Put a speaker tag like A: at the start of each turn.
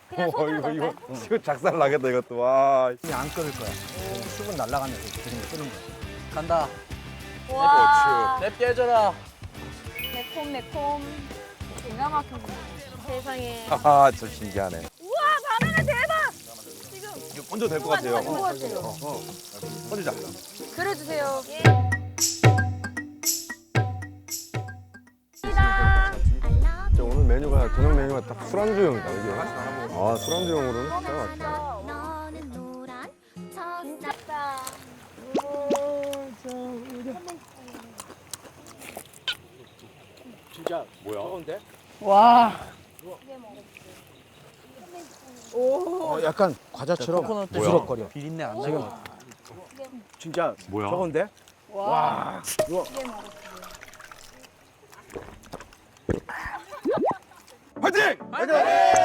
A: 그냥 손으로 넣을까요?
B: 이거 작살 나겠다 이것도. 와.
C: 그냥 안 끓을 거야. 수분 날아가면서 그냥 끓는 거야. 간다.
A: 와,
C: 랩 깨져라.
A: 매콤. 기가 막혔네. 세상에.
B: 하하, 저 신기하네.
A: 우와, 바나나 대박! 지금
B: 이거 얹어도 될 것 같아요.
A: 누구 같아요?
B: 얹자.
A: 그려주세요. 예.
D: 진짜 오늘 메뉴가 저녁 메뉴가 딱 술안주용이다 이게. 아 술안주용으로는 진짜 맛있다.
A: 진짜다.
C: 진짜 뭐야? 저건데?
D: 약간 과자처럼
C: 코코넛
D: 부스럭거려.
C: 비린내 안 나게.
B: 진짜
C: 뭐야?
B: 저건데? 화이팅! 화이팅!